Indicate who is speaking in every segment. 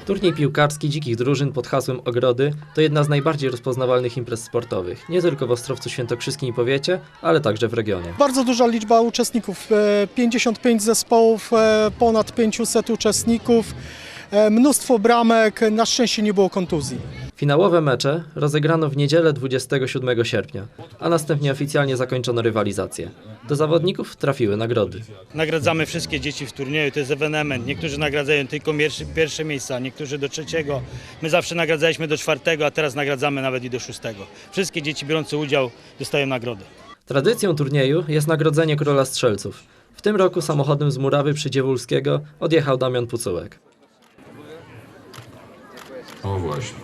Speaker 1: Turniej piłkarski dzikich drużyn pod hasłem Ogrody to jedna z najbardziej rozpoznawalnych imprez sportowych, nie tylko w Ostrowcu Świętokrzyskim i powiecie, ale także w regionie.
Speaker 2: Bardzo duża liczba uczestników, 55 zespołów, ponad 500 uczestników, mnóstwo bramek, na szczęście nie było kontuzji.
Speaker 1: Finałowe mecze rozegrano w niedzielę 27 sierpnia, a następnie oficjalnie zakończono rywalizację. Do zawodników trafiły nagrody.
Speaker 3: Nagradzamy wszystkie dzieci w turnieju, to jest ewenement. Niektórzy nagradzają tylko pierwsze miejsca, niektórzy do trzeciego. My zawsze nagradzaliśmy do czwartego, a teraz nagradzamy nawet i do szóstego. Wszystkie dzieci biorące udział dostają nagrody.
Speaker 1: Tradycją turnieju jest nagrodzenie króla strzelców. W tym roku samochodem z murawy przy Dziewulskiego odjechał Damian Pucułek.
Speaker 4: O właśnie.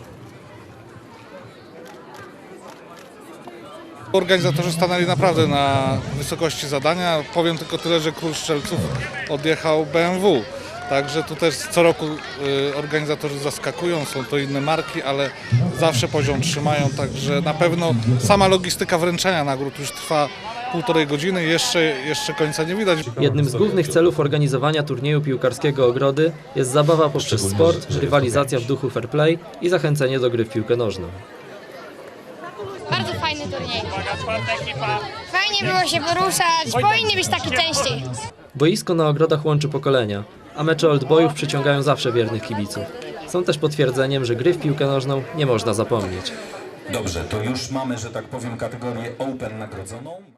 Speaker 5: Organizatorzy stanęli naprawdę na wysokości zadania. Powiem tylko tyle, że król strzelców odjechał BMW. Także tu też co roku organizatorzy zaskakują, są to inne marki, ale zawsze poziom trzymają. Także na pewno sama logistyka wręczania nagród już trwa 1,5 godziny, jeszcze końca nie widać.
Speaker 1: Jednym z głównych celów organizowania turnieju piłkarskiego Ogrody jest zabawa poprzez sport, rywalizacja w duchu fair play i zachęcenie do gry w piłkę nożną.
Speaker 6: Bardzo fajny turniej. Fajnie było się poruszać, powinny być takie częściej.
Speaker 1: Boisko na Ogrodach łączy pokolenia, a mecze oldboyów przyciągają zawsze wiernych kibiców. Są też potwierdzeniem, że gry w piłkę nożną nie można zapomnieć.
Speaker 4: Dobrze, to już mamy, że tak powiem, kategorię Open nagrodzoną.